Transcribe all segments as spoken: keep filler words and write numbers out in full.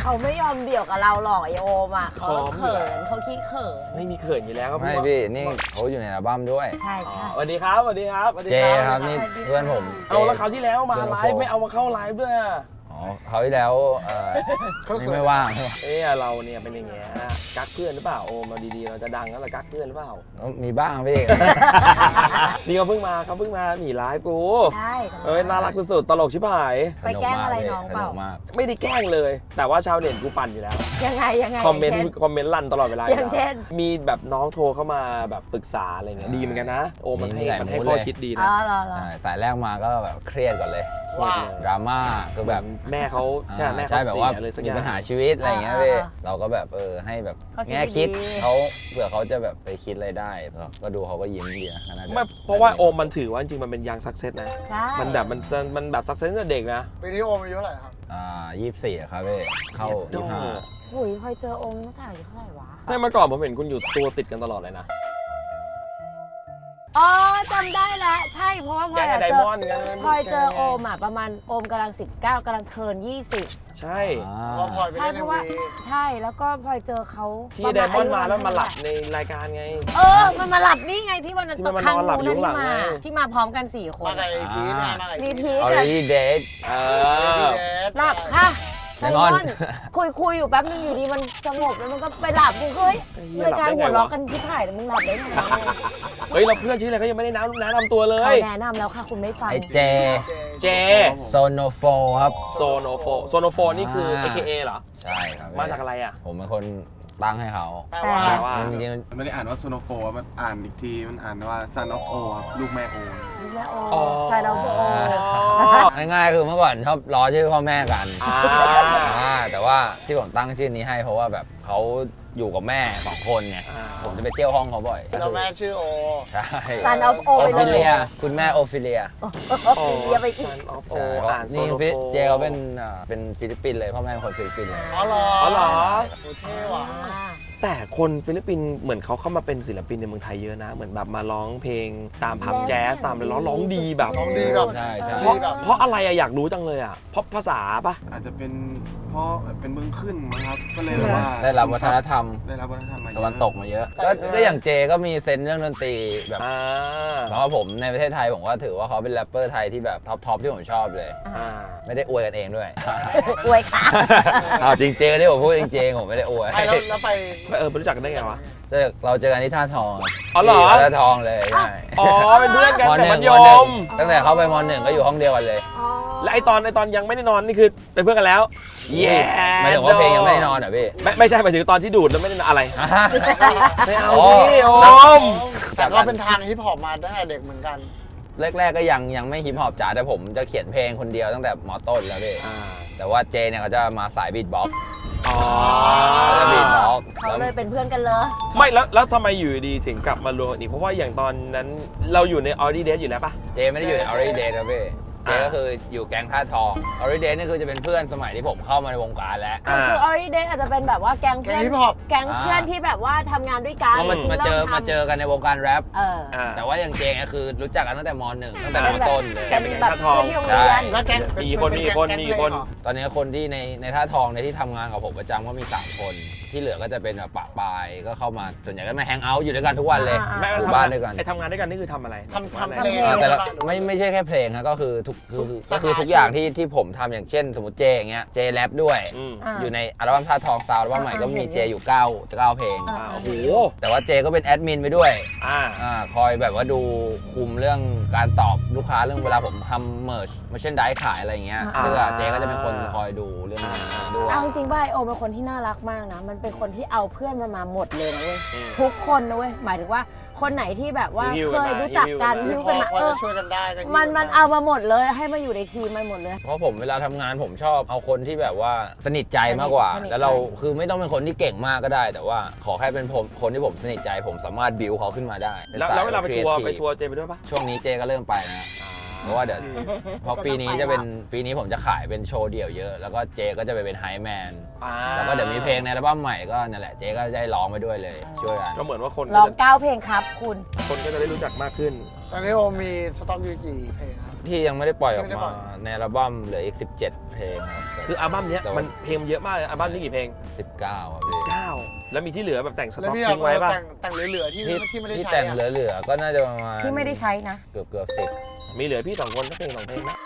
เขาไม่ยอมเดี่ยวกับเราหรอกไอโอมอ่ะเขาเขินเขาขี้เขินไม่มีเขินอยู่แล้วครับไม่พี่นี่เขาอยู่ในอัลบั้มด้วยใช่ใช่สวัสดีครับสวัสดีครับเจครับนี่เพื่อนผมเอาแล้วคราวที่แล้วมาไลฟ์ไม่เอามาเข้าไลฟ์ด้วยอ๋อเขาที่แล้วเออนี่ไม่ว่างเออเราเนี่ยเป็นอย่างเงี้ยกักเพื่อนหรือเปล่าโอมาดีๆเราจะดังแล้วเรากักเพื่อนหรือเปล่ามีบ้างพี่นี่เขาเพิ่งมาเขาเพิ่งมาหนีไลฟ์กูใช่เอ้ยน่ารักสุดๆตลกชิบหายไปแกล้งอะไรน้องเปล่าไม่ได้แกล้งเลยแต่ว่าชาวเน็ตกูปั่นอยู่แล้วยังไงยังไงคอมเมนต์คอมเมนต์ลั่นตลอดเวลาอย่างเช่นมีแบบน้องโทรเข้ามาแบบปรึกษาอะไรเงี้ยดีเหมือนกันนะโอมันให้มันให้ข้อคิดดีนะสายแรกมาก็แบบเครียดก่อนเลยดราม่าคือแบบแม่เขาใช่แม่ใช่แบบว่ามีปัญหาชีวิตอะไรเงี้ยพี่เราก็แบบเออให้แบบแง่คิดเขาเผื่อเขาจะแบบไปคิดอะไรได้ก็ดูเขาก็ยิ้มดีนะไม่เพราะว่าโอมมันถือว่าจริงมันเป็นยังซักเซสนะมันแบบมันจะมันแบบซักเซสตั้งแต่เด็กนะปีนี้โอมอายุเท่าไหร่ครับอ่ายี่สิบสี่ครับพี่เข้ายี่สิบห้าหุยคอยเจอโอมตั้งแต่อายุเท่าไหร่วะไม่เมื่อก่อนผมเห็นคุณอยู่ตัวติดกันตลอดเลยนะอ๋อจำได้แล้วใช่เพราะว่าพลอยเจอพลอยเจอโอมอ่ะประมาณโอมกำลังสิบเก้ากำลังเทิร์นยี่สิบใช่ใช่เพราะว่าใช่แล้วก็พลอยเจอเขาที่ไดมอนด์มาแล้วมาหลับในรายการไงเออมันมาหลับนี่ไงที่วันนั้นตกค้างนู้นที่มาที่มาพร้อมกันสี่คนมากับไอพีทมากับมีพีท already dead หลับค่ะไดมอนด์คุยคุยอยู่แป๊บนึงอยู่ดีมันสงบแล้วมันก็ไปหลับกูเฮ้ยรายการหัวเราะกันที่ถ่ายแต่มึงหลับได้ไงเฮ้ยเราเพื่อนชื่ออะไรก็ยังไม่ได้แนะแนะนำตัวเลยแนะนำแล้วค่ะคุณไม่ฟังไอเจเจโซโนโฟครับโซโนโฟโซโนโฟนี่คือ เอ เค เอ เหรอใช่ครับมาจากอะไรอ่ะผมเป็นคนตั้งให้เขาแปลว่าจริงๆไม่ได้อ่านว่าโซโนโฟมันอ่านอีกทีมันอ่านว่า son of O ครับลูกแม่โอลูกแม่โอ son of O ง่ายๆคือเมื่อก่อนชอบล้อชื่อพ่อแม่กันแต่ว่าที่ผมตั้งชื่อนี้ให้เพราะว่าแบบเขาอยู่กับแม่สองคนไงผมจะไปเที่ยวห้องเขาบ่อยแล้วแม่ชื่อโอใช่ son of O โอฟิเลียคุณแม่โอฟิเลียโอฟิเลียไปอีกนี่เจเขาเป็นเป็นฟิลิปปินส์เลยพ่อแม่เป็นคนฟิลิปปินส์เลยอ๋อเหรออ๋อเหรอเท่ว่ะแต่คนฟิลิปปินส์เหมือนเขาเข้ามาเป็นศิลปินในเมืองไทยเยอะนะเหมือนแบบมาร้องเพลงตามผับแจ๊สตามเลยร้องร้องดีแบบร้องดีแบบใช่ใช่เพราะเพราะอะไรอะอยากรู้จังเลยอะเพราะภาษาปะอาจจะเป็นเพราะเป็นเมืองขึ้นมั้งครับก็เลยแบบว่าได้รับวัฒนธรรมได้รับวัฒนธรรมมาตะวันตกมาเยอะก็อย่างเจก็มีเซนเรื่องดนตรีแบบเพราะว่าผมในประเทศไทยผมก็ถือว่าเขาเป็นแรปเปอร์ไทยที่แบบท็อปทอปที่ผมชอบเลยไม่ได้อวยกันเองด้วยอวยค่ะอ้าวจริงเจที่ผมพูดจริงๆผมไม่ได้อวยแล้วไปเออรู้จักกันได้ไงวะเราเจอกันที่ท่าทองอ๋อเหรอท่าทองเลยใช่อ๋อเป็นเพื่อนกันแต่มัธยมตั้งแต่เขาไปม.หนึ่งก็อยู่ห้องเดียวกันเลยและไอตอนไอตอนยังไม่ได้นอนนี่คือเป็นเพื่อนกันแล้วเย้หมายถึงว่าเพลงยังไม่ได้นอนเหรอพี่ไม่ไม่ใช่หมายถึงตอนที่ดูดแล้วไม่ได้นอนอะไรไม่เอาพี่โอมแต่ก็เป็นทางฮิปฮอปมาตั้งแต่เด็กเหมือนกันแรกๆก็ยังยังไม่ฮิปฮอปจ๋าแต่ผมจะเขียนเพลงคนเดียวตั้งแต่ม.ต้นแล้วพี่แต่ว่าเจเนี่ยเขาจะมาสายบีทบ็อกซ์อ๋อจะบีทบ็อกซ์เขาเลยเป็นเพื่อนกันเลยไม่แล้วแล้วทำไมอยู่ดีถึงกลับมารวมอีกเพราะว่าอย่างตอนนั้นเราอยู่ใน Already Dead อยู่แล้วปะเจไม่ได้อยู่ใน Already Dead ครับพี่เจก็คืออยู่แก๊งท่าทอง Already Dead นี่คือจะเป็นเพื่อนสมัยที่ผมเข้ามาในวงการแล้วคือ Already Dead อาจจะเป็นแบบว่าแก๊งเพื่อนแก๊งเพื่อนที่แบบว่าทำงานด้วยกันก็มาเจอมาเจอกันในวงการแรปแต่ว่าอย่างเจก็คือรู้จักกันตั้งแต่ม.หนึ่งตั้งแต่ม.ต้นเลยเป็นแบบเพื่อนที่โรงเรียนแล้วแก๊งมีคนมีคนมีคนตอนนี้คนที่ในในท่าทองในที่ทำงานกับผมประจำก็มีสามคนที่เหลือก็จะเป็นแบบปะปายก็เข้ามาส่วนใหญ่ก็มาแฮงเอาท์อยู่ด้วยกันทุกวันเลยอยู่บ้านด้วยกันไอทำงานด้วยกันนี่คือทำอะไรทำทำเพลงแต่ไม่ไม่ใช่แค่เพลงนะก็คือทุกคือก็คือทุกอย่างที่ที่ผมทำอย่างเช่นสมมติเจอย่างเงี้ยเจแรปด้วยอยู่ในอัลบั้มท่าทองซาวด์อัลบั้มใหม่ก็มีเจอยู่เก้าจะเก้าเพลงโอ้โหแต่ว่าเจก็เป็นแอดมินไปด้วยอ่าคอยแบบว่าดูคุมเรื่องการตอบลูกค้าเรื่องเวลาผมทำเมิร์ชมาเช่นได้ขายอะไรอย่างเงี้ยเสื้อเจก็จะเป็นคนคอยดูเรื่องนี้ด้วยเอาจริงป่ะโอเป็นคนที่น่ารักมากนะมันเป็นคนที่เอาเพื่อนมันมาหมดเลยนะเว้ยทุกคนนะเว้ยหมายถึงว่าคนไหนที่แบบว่าเคยรู้จักกันฮิ้วกันมาเออช่วยกันได้มันมันเอามาหมดเลยให้มาอยู่ในทีมมันหมดเลยเพราะผมเวลาทำงานผมชอบเอาคนที่แบบว่าสนิทใจมากกว่าแล้วเราคือไม่ต้องเป็นคนที่เก่งมากก็ได้แต่ว่าขอแค่เป็นผมคนที่ผมสนิทใจผมสามารถบิวเขาขึ้นมาได้แล้วเวลาไปทัวร์ไปทัวร์เจไปด้วยปะช่วงนี้เจก็เริ่มไปนะเพราะว่าเดี๋ยวเพราะปีนี้จะเป็นปีนี้ผมจะขายเป็นโชว์เดี่ยวเยอะแล้วก็เจก็จะไปเป็นไฮแมนแล้วก็เดี๋ยวมีเพลงในอัลบั้มใหม่ก็นั่นแหละเจก็จะได้ร้องไปด้วยเลยช่วยกันก็เหมือนว่าคนร้องก็จะเก้าเพลงครับคุณคนก็จะได้รู้จักมากขึ้นตอนนี้โอมีสต็อกอยู่กี่เพลงครับที่ยังไม่ได้ปล่อยออกไม่ได้ปล่มาอยในอัลบั้มเหลืออีกสิบเจ็ดเพลงครับคืออัลบั้มเนี้ยมันเพลงเยอะมากเลยอัลบั้มนี้กี่เพลงสิบเก้าครับพี่เก้าแล้วมีที่เหลือแบบแต่งสแล้วต็อกพี่ทิ้งไว้ป่ะแต่งแต่งเหลือๆที่ที่ที่ไม่ได้ที่ใช้แต่งอะเหลือๆก็น่าจะประมาณที่ไม่ได้ใช้นะเกือบเกือบสิบมีเหลือพี่สองคนก็เพลงสองเพลงนะ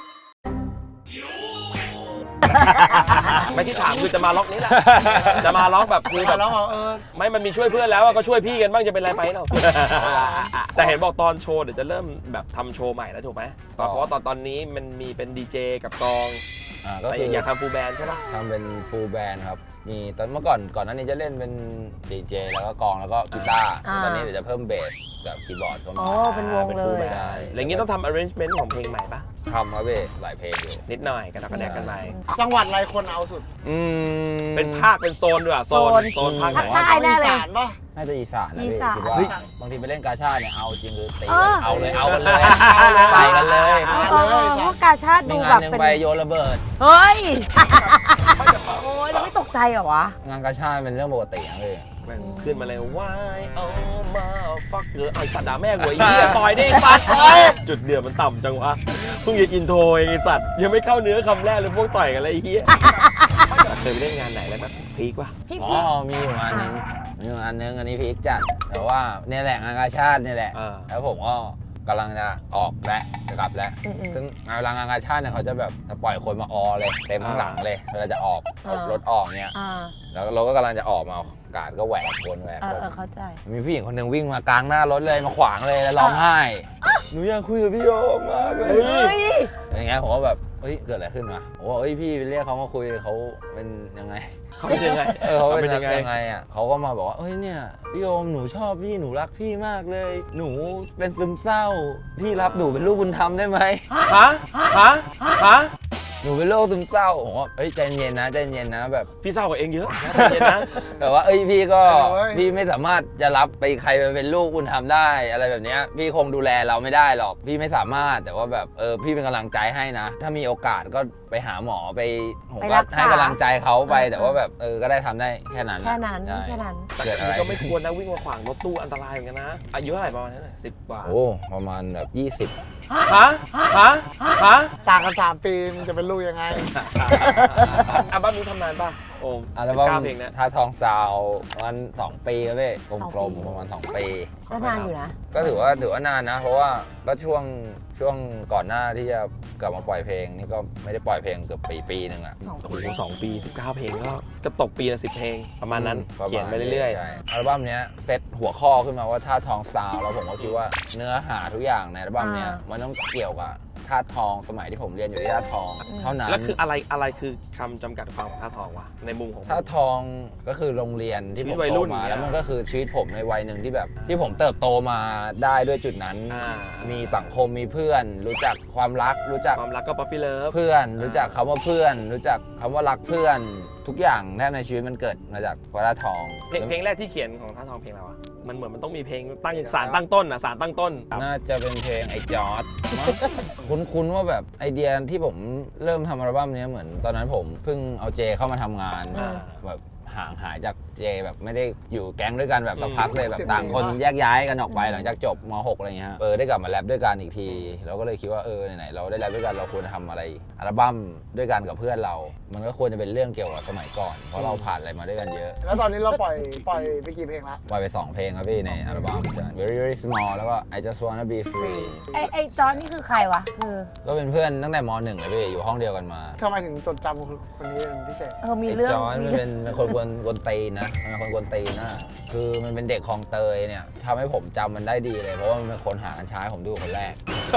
ไม่ที่ถามคือจะมาล็อกนี้แหละ จะมาล็อกแบบคือแบบแล้วเอาเออไม่มันมีช่วยเพื่อนแล้วอะก็ช่วยพี่กันบ้างจะเป็นไรไปเรา แต่เห็นบอกตอนโชว์เดี๋ยวจะเริ่มแบบทำโชว์ใหม่แล้วถูกไหมเพราะว่าตอนตอนนี้มันมีเป็นดีเจกับกองอ่าก็แต่คืออยากทำฟูลแบนด์ใช่ปะทำเป็นฟูลแบนด์ครับมีตอนเมื่อก่อนก่อนหน้านี้จะเล่นเป็นดีเจแล้วก็กลองแล้วก็กีตาร์อ่าตอนนี้เดี๋ยวจะเพิ่มเบสกับคีย์บอร์ดเข้าโอ้มาเป็นวงเป็นเลฟูลยแบนด์อะไรอย่างงี้ต้องทำ arrangement ของเพลงใหม่ปะทำครับเว้ยหลายเพลงอยู่นิดหน่อยกระดักกระแดกกันไปจังหวัดอะไรคนเอาสุดอืมเป็นภาคเป็นโซนด้วยอะโซนโซนโซนภาคไหนภาคใต้ แน่เลยอีสานปะน่าจะอีสานนะอีพี่สานคิดว่าเฮ้ยบางทีไปเล่นกาชาดเนี่ยเอาจริงคือตีเออเอาเลยเอากันเลยใส่กันเลยเออเออเออพวกกาชาติมีดูงาแบนบหนึ่งเป็นไปโยนระเบิดเฮ้ย โอ้ยเราไม่ตกใจเหรอวะงานกาชาดเป็นเรื่องปกตินะพี่แม่งขึ้นมาเลย why oh my fucker ไอ้สัตว์ด่าแม่กูไอ้เหี้ยต่อยดิสัตว์เอ้ยจุดเดือดมันต่ำจังวะเพิ่งจะอินโทรเองไอ้สัตว์ยังไม่เข้าเนื้อคำแรกเลยพวกต่อยกันเลยไอ้เหี้ยเคยไปเล่นงานไหนแล้วแบบพีคป่ะพี่อ๋อพี่มีอยู่งานหนึงมีอยู่งานหนึงอันนี้พีคจัดแต่ว่าเนี่ยแหละงานกาชาดเนี่ยแหละอ่าแล้วผมก็กำลังจะออกแล้วจะกลับแล้วอืมอืมซึ่งเวลางานกาชาดเนี่ยเขาจะแบบจะปล่อยคนมาออเลยเต็มข้างหลังเลยเวลาจะออกเอาอ่ารรถออกเนี่ยอ่าแล้วเราก็กำลังจะออกมาการก็แหวกคนแหวกเอคอน เออเข้าใจมีผู้หญิงคนหนึ่งวิ่งมากลางหน้ารถเลยมาขวางเลยแล้วร้องไห้หนูอยากคุยกับพี่โยมมากเลยเฮ้ยอย่างเงี้ยผมก็แบบเฮ้ยเกิดอะไรขึ้นวะผมว่าเฮ้ยพี่ไปเรียกเขามาคุยเขาเป็นยังไงเขาเป็นยังไงเออเขาเป็นเป็นยัยัง งไงไงอ่ะเขาก็มาบอกว่าเอ้ยเนี่ยพี่โยมหนูชอบพี่หนูรักพี่มากเลย หนูเป็นซึมเศร้าพี่รับหนูเป็นลูกบุญธรรมได้ไหมฮะฮะฮะหนูเป็นโรคซึมเศร้าผมว่าเอ้ยใจเย็นนะใจเย็นนะแบบพี่เศร้ากว่าเองเยอะนะเย็นนะแต่ว่าเอ้ยพี่ก็เอ้ยพี่ไม่สามารถจะรับไปใครไปเป็นลูกบุญธรรมได้อะไรแบบเนี้ยพี่คงดูแลเราไม่ได้หรอกพี่ไม่สามารถแต่ว่าแบบเออพี่เป็นกำลังใจให้นะ ถ้ามีโอกาสก็ไปหาหมอไปผมไปก็รักษาให้กำลังใจเขาไปเออแต่ว่าแบบเออก็ได้ทำได้แค่นั้นแค่นั้นใช่แค่นั้นแต่เกิดอะไรก็ไม่ควรนะวิ่งมาขวางรถตู้อันตรายเหมือนกันนะอายุเท่าไหร่ประมาณนั้นเลยสิบกว่าโอ้ประมาณแบบยี่สิบฮะฮะฮะต่างกันสามปีมันจะเป็นลูกยังไงอัลบั้มนี้ทำนานป่ะโอ้อัลสิบบั้เก้าม เพลงนะท่าทองซาวประมาณสองปีครับพี่กสองลมปีๆประมาณสองปีก็นานอยู่นะก็ถือว่าถือว่านานนะ เพราะว่าก็ช่วงช่วงก่อนหน้าที่จะกลับมาปล่อยเพลงนี่ก็ไม่ได้ปล่อยเพลงเกือบปีปีหนึ่งอะสองโอ้ปีโหสองปีสิบเก้าเพลงก็ก็ตกปีละสิบเพลงประมาณนั้นประมาณเขียนไปเรื่อยใช่อัลบั้มเนี้ยเซตหัวข้อขึ้นมาว่าท่าทองซาวแล้วผมก็คิดว่าเนื้อหาทุกอย่างในอัลบั้มเนี้ยมันต้องเกี่ยวกับท่าทองสมัยที่ผมเรียนอยู่ที่ท่าทองเท่านั้ๆนแล้วคืออะไรอะไรคือคำจำกัดความของท่าทองวะในมุมของผมท่าทองก็คือโรงเรียนที่ชีผวิมตวัยโตรุ่นมาเนี่ยแล้วมันก็คือชีวิตผมในวัยหนึ่งที่แบบ ที่ผมเติบโตมาได้ด้วยจุดนั้นอ่ามีสังคมมีเพื่อน รู้จักความรัก รู้จักความรักก็ป๊อปปี้เลิฟเพื่อน รู้จักคำว่าเพื่อน รู้จักคำว่ารักเพื่อน ทุกอย่างแทบในชีวิตมันเกิดมาจากท่าทองเพลงเพลงแรกที่เขียนของท่าทองเพลงอะไรวะมันเหมือนมันต้องมีเพลงตั้งสารตั้งต้นอ่ะสารตั้งต้นน่าจะเป็นเพลงไอ้จอร์ดมั้ง คุ้นๆว่าแบบไอเดียที่ผมเริ่มทำอัลบั้มเนี้ยเหมือนตอนนั้นผมเพิ่งเอาเจเข้ามาทำงานอ่าแบบห่างหายจากเจแบบไม่ได้อยู่แก๊งด้วยกันแบบสักอืมพักเลยแบบสิบต่างคนปีปะแยกย้ายกันออกไปหลังจากจบม หกอะไรเงี้ยเออได้กลับมาแรปด้วยกันอีกทีเราก็เลยคิดว่าเออไหนๆเราได้แรปด้วยกันเราควรจะทำอะไรอัลบั้มด้วยกันกับเพื่อนเรา มันก็ควรจะเป็นเรื่องเกี่ยวกับสมัยก่อนเพราะเราผ่านอะไรมาด้วยกันเยอะแล้วตอนนี้เราปล่อยปล่อยไปกี่เพลงละปล่อยไปสองเพลงครับพี่ในอัลบั้ม very very small แล้วก็ I just wanna be free ไอไอจอร์จนี่คือใครวะ คือก็เป็นเพื่อนตั้งแต่มหนึ่งเลยพี่อยู่ห้องเดียวกันมาทำไมถึงจดจำคนนี้เป็นพิเศษเออมีเรื่องไจอยมีมันเรื่เป็องนเป็นคนกวนกวนตีนนะมันเป็นคนกวนตีนนะคือมันเป็นเด็กคลองเตยเนี่ยทำให้ผมจำมันได้ดีเลย เพราะว่ามันเป็นคนหากัญชาให้ผมดูคนแรก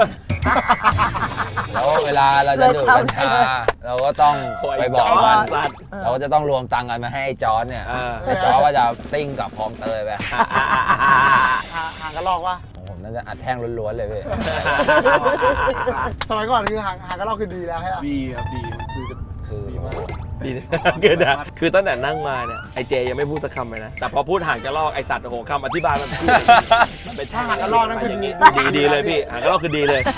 แล้วเวลาเราจะดูดกัญชา เราก็ต้องไปบอกมันสัตว์เราก็จะต้องรวมตังค์กันมาให้ไอ้จอร์ดเนี่ยอ่าไอ้จอร์ดก็จะติ้งกับคลองเตยไปห่างห่างกันลอกวะของผมน่าจะอัดแท่งล้วนๆเลยพี่สมัยก่อนคือห่างห่างกันลอกคือดีแล้วใช่ไหมดีครับดีมันคือจะคือดีมากดีนะเกิดอะคือตั้งแต่นั่งมาเนี่ยไอเจยังไม่พูดสักคำเลยนะ แต่พอพูดห่างกระลอกไอสัตว์โอ้โหคำอธิบายมันพูดมันเป็นถ้าห่างกันลอกนั่นคืออย่างดีงี้ดีดีเลยพี่ห่างกระลอกคือดีเลย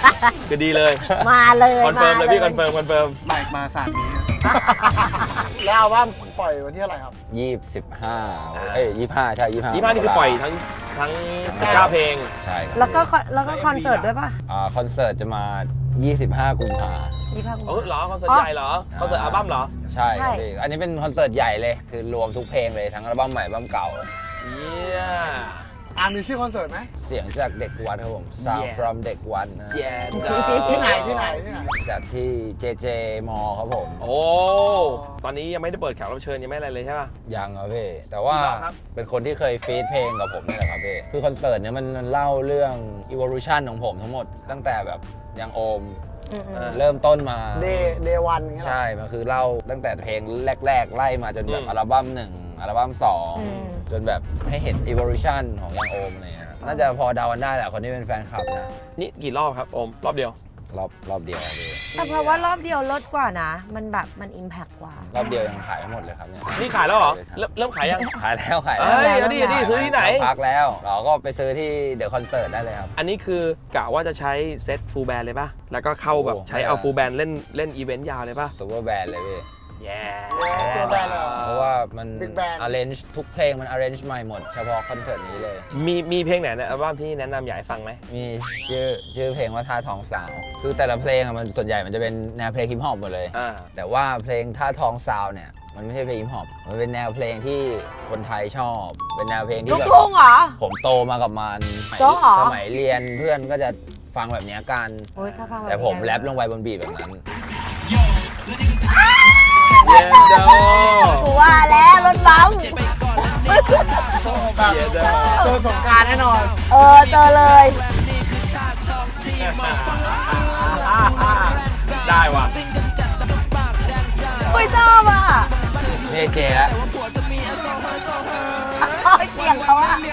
คือดีเลยมาเลยคอนเฟิร์มเลยพี่คอนเฟิร์มคอนเฟิร์มไลค์มาศาสตร์นี้แล้วอัลบั้มปล่อยวันที่อะไรครับยี่สิบห้าเอ้ยยี่ห้าใช่ยี่ห้ายี่ห้านี่คือปล่อยทั้งทั้งสิบเก้าเพลงใช่ครับแล้วก็คอนแล้วก็คอนเสิร์ตด้วยป่ะอ่าคอนเสิร์ตจะมา ยี่สิบห้า กุมภายี่ห้ากุมเออภาเหรอคอนเสิร์ตใหญ่เหรอคอนเสิร์ตอัลบั้มเหรอใช่ครับใช่พี่อันนี้เป็นคอนเสิร์ตใหญ่เลยคือรวมทุกเพลงเลยทั้งอัลบั้มใหม่อัลบั้มเก่าเยี่ยอ่ามีชื่อคอนเสิร์ตไหมเสียงจากเด็กวัดครับผม Sound Yeah. from เด็กวัดนะแย่ที่ไหนที่ไหนที่ไหนจัดที่ เจ เจ มอครับผมโอ้ตอนนี้ยังไม่ได้เปิดแขกรับเชิญยังไม่อะไรเลยใช่ป่ะยังครับพี่แต่ว่าครับเป็นคนที่เคยฟีดเพลงกับผมนี่แหละครับพี่คือคอนเสิร์ตเนี้ยมันมันเล่าเรื่อง evolution ของผมทั้งหมด ตั้งแต่แบบยังโอมอืมอืมเริ่มต้นมาเดย์เดย์วันอย่างเงี้ยเหรอใช่ มันคือเล่าตั้งแต่เพลงแรก ๆ ไล่มาจนแบบอืมอัลบั้มหนึ่งอัลบั้มสองอืมจนแบบให้เห็น evolution ของยังโอมอะไรเงี้ยน่าจะพอเดากันได้แหละคนที่เป็นแฟนคลับนะนี่กี่รอบครับโอมรอบเดียวรอบรอบเดียวครับพี่แต่เพราะว่ารอบเดียวลดกว่านะ มันแบบมันอิมแพกกว่ารอบเดียวยังขายไม่หมดเลยครับเนี่ยนี่ขายแล้วเหรอ เริ่มเริ่มขายยังขายแล้วขายเอ้แล้วยเอาดิเอาดิซื้อที่ไหนเราพักแล้วเราก็ไปซื้อที่เดอะคอนเสิร์ตได้เลยครับอันนี้คือกะว่าจะใช้เซตฟูลแบนเลยป่ะ แล้วก็เข้าแบบโอ้ใช้เอาฟูลแบนเล่นเล่นอีเวนต์ยาวเลยป่ะซูเปอร์แบนด์เลยพี่แย่เชื่อได้เลยเหรอเพราะว่ามัน Big Band arrange ทุกเพลงมัน arrange ใหม่หมด เฉพาะคอนเสิร์ตนี้เลยมีมีเพลงไหนในอัลบั้มที่แนะนำอยากให้ฟังไหมมีชื่อชื่อเพลงว่าท่าทองสาว คือแต่ละเพลงอะมันส่วนใหญ่มันจะเป็นแนวเพลงฮิปฮอปหมดเลยอ่าแต่ว่าเพลงท่าทองซาวเนี่ยมันไม่ใช่เพลงฮิปฮอปมันเป็นแนวเพลงที่คนไทยชอบ เป็นแนวเพลงลูที่กแบบทุ่งเหรอผมโตมากับมันสมัยโจ๊กเหรอสมัยเรียนเพื่อนก็จะฟังแบบเนี้ยกันโอ้ยถ้าฟังบบแต่ผมนี้แรปลงไปบนบีทแบบนั้นเย็นโดกูว่าแล้วรถบัมป์เย็นโดเจอสงกรารแน่นอนเออเจอเลยได้ว่ะอุ้ยชอบอ่ะเจเจแล้วโอ้ยเสียงเขาอ่ะ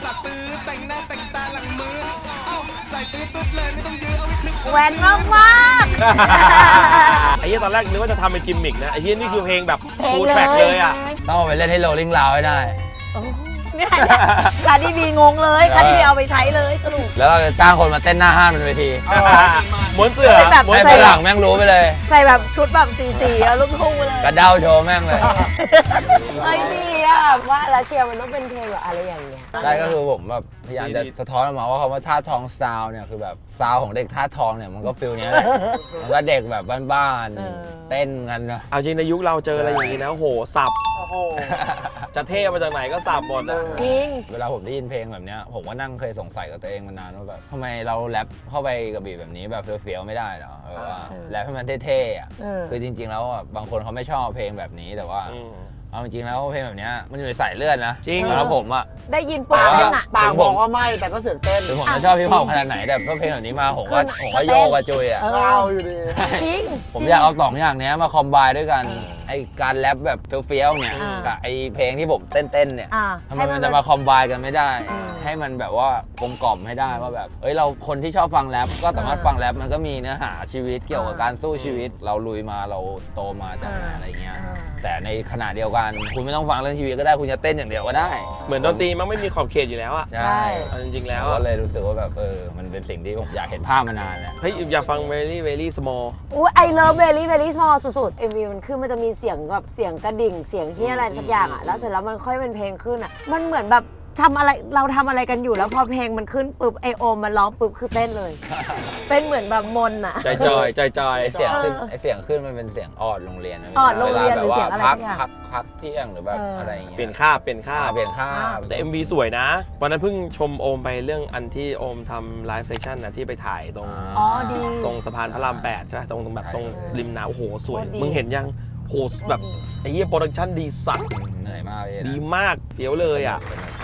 แหวนมากมากไอ้เหี้ยตอนแรกนึกว่าจะทำเป็นกิมมิกนะ ไอ้เหี้ยนี่คือเพลงแบบเพลงฟูลเลแทร็กเลยยอ่ะต้องเอาไปเล่นให้โรลลิ่งลาวให้ได้เนี่ยคาร์ดิบีงงเลยคาร์ดิบีเอาไปใช้เลยสรุปแล้วเราจะจ้างคนมาเต้นหน้าห้านบนเวทีม้วนเสือเป็นแบบม้วนให้เสืฝอรั่งแม่งรู้ไปเลยใส่แบบชุดแบบสีสีๆอะลูกทุ่งไปเลยกระเด้าโชว์แม่งเลยเอ้ยดีอ่ะว่าแล้วเชียร์มันต้องเป็นเพลงแบบอะไรอย่างเงี้ยได้ก็คือผมแบบพยายามจะสะท้อนออกมาว่าคำว่าท่าทองซาวเนี่ยคือแบบซาวของเด็กท่าทองเนี่ยมันก็ฟิลเนี้ยแหละมันก็เด็กแบบบ้านๆเต้นกันนะเอาจริงในยุคเราเจออะไรอย่างนี้นะโหสับโอ้โหจะเท่มาจากไหนก็สับหมดอ่ะจริงเวลาผมได้ยินเพลงแบบเนี้ยผมก็นั่งเคยสงสัยกับตัวเองมานานว่าแบบทำไมเราแรปเข้าไปกับบีทแบบนี้แบบเฟี้ยวๆไม่ได้เหรอเออว่าเออแรปให้มันเท่ๆอ่ะเออคือจริง ๆ แล้วอ่ะบางคนเขาไม่ชอบเพลงแบบนี้แต่ว่าอืมเอาจริงๆแล้วเพลงแบบเนี้ยมันอยู่ในสายเลือดนะจริงสำหรับผมอ่ะได้ยินปุ๊บแต่ว่าเต้นอ่ะปากบอกว่าไม่แต่ก็เสือกเต้นถึงผมจะชอบพี่พอปขนาดไหนแต่พอเพลงแบบนี้มาผมก็คือผมก็โยกกระจุยอ่ะเอเอาอยู่ดีจริงผมอยากเอาสองอย่างเนี้ยมาคอมไบด้วยกันไอการแรปแบบเฟี้ยวๆเนี่ยอ่ากับไอเพลงที่ผมเต้นๆเนี่ยอ่าทำไมมันจะมาคอมไบกันไม่ได้อืมให้มันแบบว่ากลมกล่อมให้ได้ว่าแบบเอ้ยเราคนที่ชอบฟังแรปก็สามารถฟังแรปมันก็มีเนื้อหาชีวิตเกี่ยวกับการสู้ชีวิต เราลุยมาเราโตมาจากไหนอะไรเงี้ยอ่าแต่ในขณะเดียวกันคุณไม่ต้องฟังเรื่องชีวิตก็ได้คุณจะเต้นอย่างเดียวก็ได้เหมือนดนตรีมันไม่มีขอบเขตอยู่แล้วอ่ะใช่เอาจริงๆแล้วก็อะเลยรู้สึกว่าแบบเออมันเป็นสิ่งที่ผมอยากเห็นภาพมานานแล้วเฮ้ยอยากฟัง very very small อุ้ยไอเลิฟเบลลี่เบลลี่สมอลสุดๆ เอ็ม วี มันขึ้นมันจะมีเสียงแบบเสียงกระดิ่งเสียงที่อะไรสักอย่างอ่ะ แล้วเสร็จแล้วมันค่อยเป็นเพลงขึ้นอ่ะ มันเหมือนแบบทำอะไรเราทำอะไรกันอยู่แล้วพอเพลงมันขึ้นปุ๊บไอโอมมันร้องปุ๊บคือเต้นเลย เป็นเหมือนแบบมนต์อ่ะใจจอยใจจอยไอเสียงขึ้นไอเสียงขึ้นมันเป็นเสียงออดโรงเรียนนะออดโรงเรียนวลาหรือเสียงแบบอะไรว่าพักสักอย่างพักพักเที่ยงหรือแบบเออออะไรอย่างเงี้ยเปลี่ยนคาบเปลี่ยนคาอ่าบเปลี่ยนค่าบแต่ เอ็ม วี สวยนะ วันนั้นเพิ่งชมโอมไปเรื่องอันที่โอมทำไลฟ์เซสชั่นนะที่ไปถ่ายตรงอ๋อดีตรงสะพานพระรามแปดใช่ไหมตรงตรงแบบตรงริมน้ำโอ้โหสวยโคตรดีมึงเห็นยังโหแบบไอ้เหี้ยโปรดักชั่นดีสัตว์เหนื่อยมากเลยนะดีมากเฟี้ยวเลยอ่ะ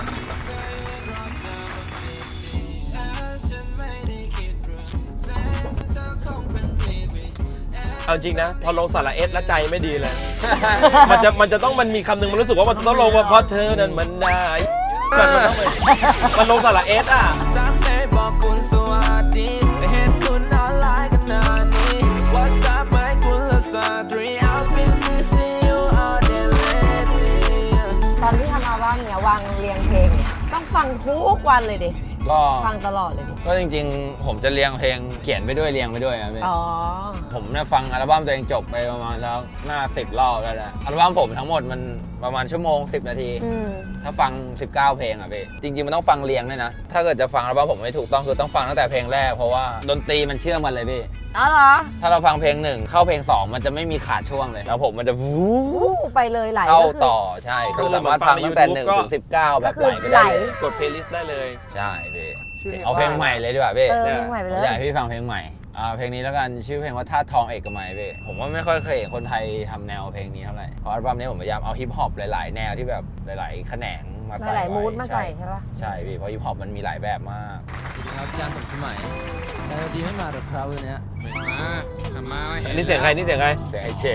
เอาจริงนะ พอลงสาระเอสแล้วใจไม่ดีเลย มันจะมันจะต้องมันมีคำหนึ่งมันรู้สึกว่ามันต้องลงว่าเพราะเธอนั้นมันได้มันต้องเป็นมันลงสาระเอสอ่ะจากเฟซบอกคุณสวัสดีไม่เห็นคุณออนไลน์กันนานนี้ WhatsApp ไม่คุณละสตรี I've been missing you all day lately ตอนที่ทำอัลบั้มเนี่ยวางเรียงเพลงเนี่ยต้องฟังทุกวันเลยดิก็ฟังตลอดเลยดิก็จริงๆ ผมจะเรียงเพลงเขียนไปด้วยเรียงไปด้วยนะพี่อ๋อผมเนี่ยฟังอัลบั้มตัวเองจบไปประมาณแล้วหน้าสิบรอบแล้วนะอัลบั้มผมทั้งหมดมันประมาณชั่วโมงสิบนาทีอืมถ้าฟัง สิบเก้า เพลงอ่ะพี่จริงๆ มันต้องฟังเรียงด้วยนะ ถ้าเกิดจะฟังอัลบั้มผมไม่ถูกต้องคือต้องฟังตั้งแต่เพลงแรกเพราะว่าดนตรีมันเชื่อมกันเลยพี่อ๋อเหรอถ้าเราฟังเพลงหนึ่งเข้าเพลงสองมันจะไม่มีขาดช่วงเลยแล้วผมมันจะวูอู้ไปเลยไหลเข้าก็คือต่อใช่คือสามารถฟังตั้งแต่หนึ่งถึงสิบเก้าแบบไหลไปไหลได้เลยกดเพลย์ลิสต์ได้เลยใช่พี่ชื่อเอาเพลงใหม่เลยดีกว่าพี่เออเพลงใหม่ไปผเลมยอยากให้พี่ฟังเพลงใหม่อ่าเพลงนี้แล้วกันชื่อเพลงว่าท่าตุทองเอกมัยพี่ผมว่าไม่ค่อยเคยเห็นคนไทยทำแนวเพลงนี้เท่าไหร่เพราะอัลบั้มนี้ผมพยายามเอาฮิปฮอปหลายๆ แนวที่แบบหลายๆแขนงมาใส่หลายๆไว้มูดมาใส่ใช่ปะใช่พี่เพราะฮิปฮอปมันมีหลายแบบมากครับจานสมสมัยแต่ดีไม่มาหรอกครับวันนี้มาทำมาเห็นอันนี้เสียงใครนี่เสียงใครเสียงไอเจ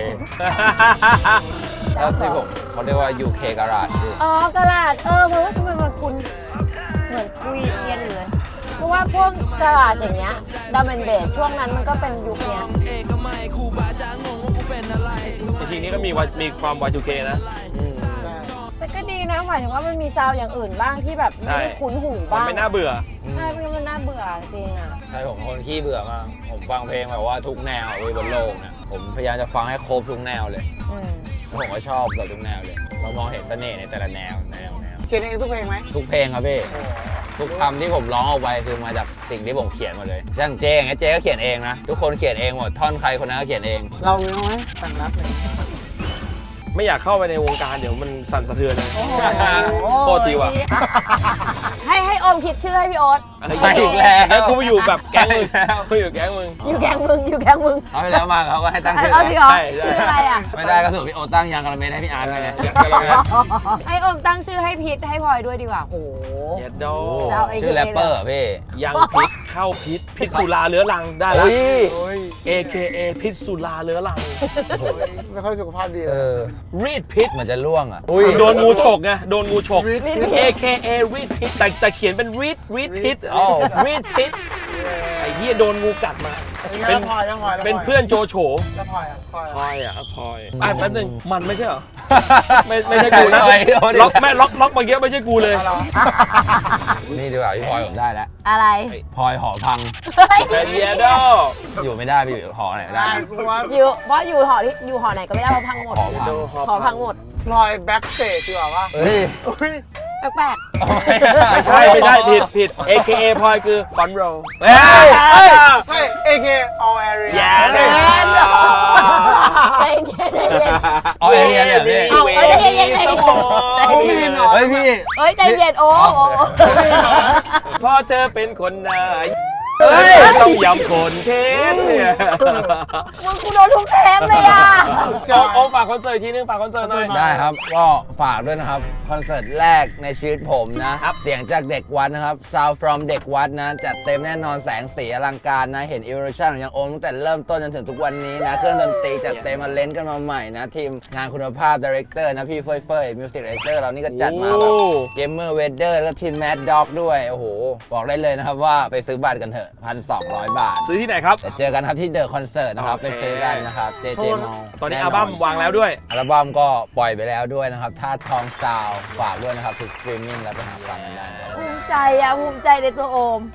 แล้วที่ผมเขาเรียกว่า ยู เค Garage พี่อ๋อกระดาษเออเพราะว่าทำไมมันคุณเหมือนคุยเทียนอยู่เลย เพราะว่าพวกกระดาษอย่างเงี้ยดัมเบลเบสช่วงนั้นมันก็เป็นยุคเนี้ยเอกมัยครูบาอาจารย์งงว่ากูเป็นอะไรจริงๆนี่ก็มีวามีความ วาย ทู เค นะแต่ก็ดีนะหมายถึงว่ามันมีซาวด์อย่างอื่นบ้างที่แบบไม่ได้คุ้นหูมันบ้างไม่น่าเบื่อใช่ไม่งั้นมันน่าเบื่อจริงอ่ะใช่ผมเป็นคนขี้เบื่อมาก ผมฟังเพลงแบบว่าทุกแนวเลยบนโลกเนี่ยผมพยายามจะฟังให้ครบทุกแนวเลยอืมแล้วผมก็ชอบแบบทุกแนวเลย เรามองเห็นเสน่ห์ในแต่ละแนวแนวแนวเขียนเองทุกเพลงไหมทุกเพลงครับพี่ทุกคำที่ผมร้องออกไปคือมาจากสิ่งที่ผมเขียนหมาเลยอย่างเจอย่างเงี้ยเจก็เขียนเองนะ ทุกคนเขียนเองหมดท่อนใครคนนั้นก็เขียนเองเรามีไหมแต่งรับเลยไม่อยากเข้าไปในวงการเดี๋ยวมันสั่นสะเทือนเลยโอ้โหโทษทีว่ะให้ให้โอมคิดชื่อให้พี่โอ๊ตไปอีกแล้วแล้วกูไปอยู่แบบแก๊งมึงกูอยู่แก๊งมึงอยู่แกงมึงอยู่แกงมึงเอาไปแล้วมาเขาก็ให้ตั้งชื่อเอาจริงเหรอใช่ใช่ชื่ออะไรอ่ะไม่ได้ก็ถูกพี่โอตั้งยางกระเมนให้พี่อาร์ตไปไงให้โอมตั้งชื่อให้พีทให้พลอยด้วยดีกว่าโหเย็ดโดจะเอาไอ้ชื่อแรปเปอร์เหรอพี่ยังพิษเข้าพิษพิษสุราเรื้อรังได้ละอุ้ยโอ้ยเอ เค เอ พิษสุราเรื้อรังไม่ค่อยสุขภาพดีเอเลยอรีดพิษเหมือนจะล่วงอ่ะโดนงูฉกไงโดนงูฉกรีดพิษเอ เค เอ รีดพิษแต่แต่เขียนเป็นรีดรีดพิษอ้าวรีดพิษไอ้เหี้ยโดนงูกัดมาเป็เป็น นพลอยแล้วพลอยแล้วเป็นเพื่อนโจโฉแล้วพลอยอ่ะพลอยพลอ่ะอยอ่ะพลอยอ่ะแป๊บนึงมันไม่ใช่เหรอ ไม่ไม่ใช่กูนะพลอยเอาดิล็อกแม่ล็อกล็อกเมื่อกี้ไม่ใช่กูเลยเอาเหรอนี่ดีกว่าพี่พลอยผมได้แล้วอะไรพลอยหอพังเป็นเยโดอยู่ไม่ได้พี่อยู่หอไหนไม่ได้ได้กูว่าอยู่เพราะอยู่หอที่อยู่หอไหนก็ไม่ได้เพราะพังหมดหอพังหอพังหมดพลอยแบ็กสเตจดีกว่าว่าเฮ้ยอุ้ยแปลกไม่ใช่ไม่ใช่ผิดผิด เอ เค เอ พลอยคือฟอนโรเฮ้ยไม่ เอ เค all area อย่าๆเลยใจเย็นใจเย็นเอาเอเรียเนี่ยพี่เอาเอ้ยใจเย็นใจเย็นโอ้ไม่เห็นเหรอเฮ้ยพี่เอ้ยใจเย็นโอ้โอ้พ่อเธอเป็นคนนายเฮ้ยต้องยำคนเทสเนี่ยมึงกูโดนทุกเทปเลยอ่ะโอ้โอ้ฝากคอนเสิร์ตทีนึงฝากคอนเสิร์ตหน่อยได้ครับ ก็ฝากด้วยนะครับ คอนเสิร์ตแรกในชีวิตผมนะ เสียงจากเด็กวัดนะครับ Sound from เด็กวัดนะ จัดเต็มแน่นอนแสงสีอลังการนะ เห็น evolution ของยังโอมตั้งแต่เริ่มต้นจนถึงทุกวันนี้นะ เครื่องดนตรีจัดเต็มมาเล่นกันมาใหม่นะ ทีมงานคุณภาพ Director นะ พี่เฟยเฟย Music Director เรานี่ก็จัดมาแบบ Gamer Weather แล้วก็ทีม Mad Dog ด้วย โอ้โห บอกได้เลยนะครับว่าไปซื้อบัตรกันเถอะ พันสองร้อย บาทซื้อที่ไหนครับแต่เจอกันครับที่เดอะคอนเสิร์ตนะครับโอไปเคซื้อได้นะครับ เจ เจ Mall ตอนนี้อัลบั้มวางแล้วด้วยอัลบั้มก็ปล่อยไปแล้วด้วยนะครับท่าตุทองซาวด์ฝากด้วยนะครับทุกสตรีมมิ่งแล้วไปหาฟังกันได้นะครับภูมิใจอ่ะภูมิใจในตัวโอม